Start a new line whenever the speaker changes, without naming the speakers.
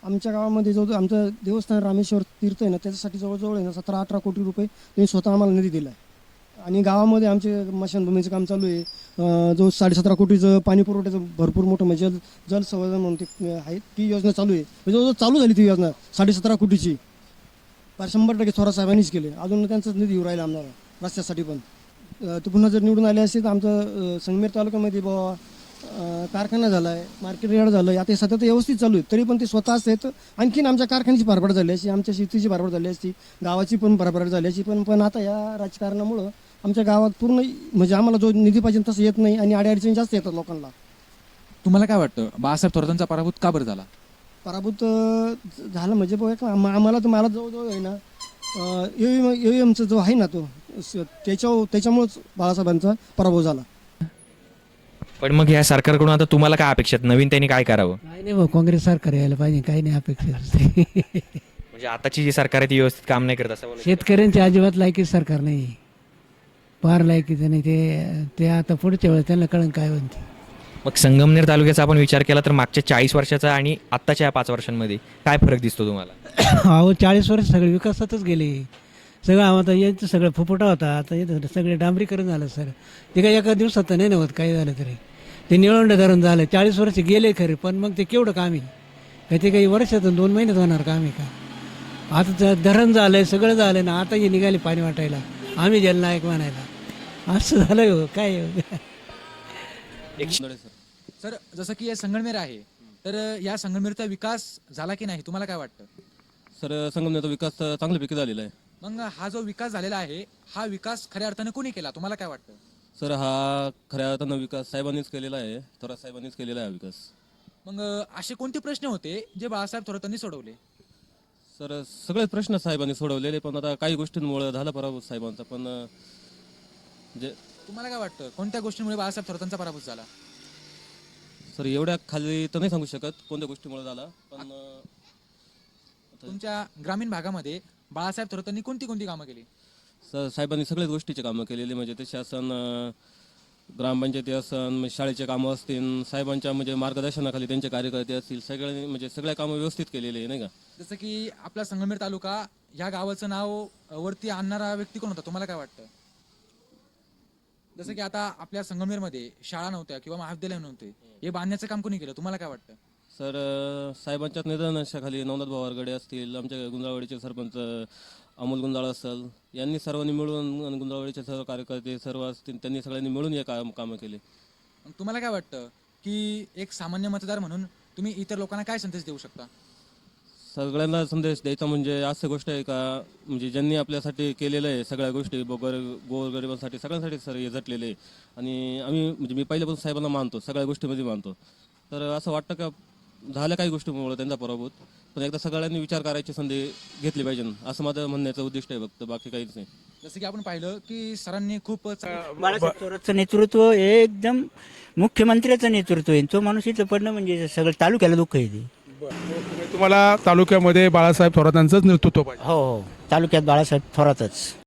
आमच्या गावामध्ये जो आमचं देवस्थान रामेश्वर तीर्थ आहे ना, त्याच्यासाठी जवळजवळ आहे ना 17-18 कोटी रुपये त्यांनी स्वतः आम्हाला निधी दिला आहे. आणि गावामध्ये आमचे स्मशानभूमीचं काम चालू आहे. जो 17.5 कोटीचं पाणी पुरवठ्याचं भरपूर मोठं म्हणजे जल संवर्धन म्हणून ते आहे, ती योजना चालू आहे. म्हणजे जवळजवळ चालू झाली ती योजना 17.5 कोटीची. फार 100% थोरात साहेबांनीच केले. अजून त्यांचाच निधी येऊ राहिला आम्हाला रस्त्यासाठी पण. ते पुन्हा जर निवडून आले असते तर आमचं संगमेर तालुक्यामध्ये बाबा कारखाना झाला आहे, मार्केट यार्ड झालं आहे, आता हे सतत व्यवस्थित चालू आहे. तरी पण ते स्वतः असते तर आणखीन आमच्या कारखान्याची भरभराट झाली असती, आमच्या शेतीची भरभराट झाली असती, गावाची पण भरभराट झाली असती. पण आता या राजकारणामुळं आमच्या गावात पूर्ण म्हणजे आम्हाला जो निधी पाहिजे तसं येत नाही आणि अडीअडचणी जास्त येतात लोकांना.
तुम्हाला काय वाटतं बाळासाहेब थोरातांचा पराभूत का बरं झाला?
पराभूत झालं म्हणजे बघा आम्हाला तर मला जवळजवळ आहे ना एमचा जो आहे ना तो त्याच्यामुळंच बाळासाहेबांचा पराभव झाला.
पण मग या सरकारकडून आता तुम्हाला काय अपेक्षा आहेत? नवीन त्यांनी काय करावं?
काही नाही भाऊ, काँग्रेस सरकार यायला पाहिजे, काही नाही अपेक्षा.
म्हणजे आताची जी सरकार आहे ती व्यवस्थित काम नाही करत असं बोलायचं?
शेतकऱ्यांची अजिबात लायकी सरकार नाही, फार लायकीचं नाही. ते आता पुढच्या वेळेस त्यांना कळण काय म्हणते.
मग संगमनेर तालुक्याचा आपण विचार केला तर मागच्या 40 वर्षाचा आणि आत्ताच्या 5 वर्षांमध्ये काय फरक दिसतो तुम्हाला?
अहो 40 वर्ष सगळे विकासातच गेले. सगळं आता यांचं सगळं फुफुटा होता, आता येतं सगळे डांबरीकरण झालं सर. ते काही एका दिवसात नाही नव्हत काही झालं तरी. ते निळवंड धरण झालं, 40 वर्ष गेले खरे, पण मग ते केवढं काम आहे का? ते काही वर्षातून 2 महिन्यात होणार काम आहे का? आता धरण झालंय, सगळं झालं ना, आता हे निघाले पाणी वाटायला, आम्ही जलनायक म्हणायला. असं झालं हो काय हो.
सर जसं की हे संगमनेर आहे, तर या संगमनेरचा विकास झाला की नाही तुम्हाला काय वाटतं?
सर संगमनेरचा विकास चांगल्यापैकी झालेला आहे.
मग हा जो विकास झालेला आहे, हा विकास खऱ्या अर्थाने कोणी केला तुम्हाला काय वाटतं?
सर हा खऱ्या अर्थानं विकास साहेबांनीच केलेला आहे, थोरात साहेबांनीच केलेला आहे विकास.
मग असे कोणते प्रश्न होते जे बाळासाहेब थोरातांनी सोडवले?
सर सगळेच प्रश्न साहेबांनी सोडवलेले, पण आता काही गोष्टींमुळे झाला पराभव साहेबांचा. पण जे
तुम्हाला काय वाटतं कोणत्या गोष्टीमुळे बाळासाहेब थोरातांचा पराभूत झाला?
सर एवढ्या खाली तर नाही सांगू शकत कोणत्या गोष्टीमुळे झाला, पण
तुमच्या ग्रामीण भागामध्ये बाळासाहेब थोरातांनी कोणती कोणती कामं केली?
सर साहेबांनी सगळ्याच गोष्टीचे कामं केलेली, म्हणजे ते शासन, ग्रामपंचायती असन, शाळेचे कामं असतील, साहेबांच्या म्हणजे मार्गदर्शनाखाली त्यांचे कार्यकर्ते असतील, सगळ्यांनी म्हणजे सगळ्या कामं व्यवस्थित केलेली आहे नाही का.
जसं की आपला संगमनेर तालुका ह्या गावाचं नाव वरती आणणारा व्यक्ती कोण होता तुम्हाला काय वाटतं? जसं की आता आपल्या संगमनेरमध्ये शाळा नव्हत्या किंवा महाविद्यालय नव्हते, हे बांधण्याचं काम कोणी केलं तुम्हाला काय वाटतं?
सर साहेबांच्याच निधनाखाली नवनाथ भाऊ आरगडे असतील, आमच्या गुंजाळवाडीचे सरपंच अमोल गुंजाळ असेल, यांनी सर्वांनी मिळून आणि गुंजाळवाडीचे सर्व कार्यकर्ते सर्व असतील, त्यांनी सगळ्यांनी मिळून हे कामं केले.
मग तुम्हाला काय वाटतं की एक सामान्य मतदार म्हणून तुम्ही इतर लोकांना काय संदेश देऊ शकता?
सगळ्यांना संदेश द्यायचा म्हणजे असं गोष्ट आहे का, म्हणजे ज्यांनी आपल्यासाठी केलेलं आहे सगळ्या गोष्टी गोरगरिबांसाठी सगळ्यांसाठी सर हे झटलेले आहे. आणि आम्ही म्हणजे मी पहिल्यापासून साहेबांना मानतो, सगळ्या गोष्टीमध्ये मानतो. तर असं वाटतं का झाल्या काही गोष्टीमुळे त्यांचा पराभूत, पण एकदा सगळ्यांनी विचार करायची संधी घेतली पाहिजे, असं माझं म्हणण्याचं उद्दिष्ट आहे फक्त, बाकी काहीच नाही.
जसं की आपण पाहिलं की सरांनी खूप
बाळासाहेब थोरातचं नेतृत्व हे एकदम मुख्यमंत्र्याचं नेतृत्व आहे. तो माणूस इथं पडणं म्हणजे सगळं तालुक्याला दुःख आहे ते.
तुम्हाला तालुक्यामध्ये बाळासाहेब थोरातांचंच नेतृत्व पाहिजे?
हो हो, तालुक्यात बाळासाहेब थोरातच.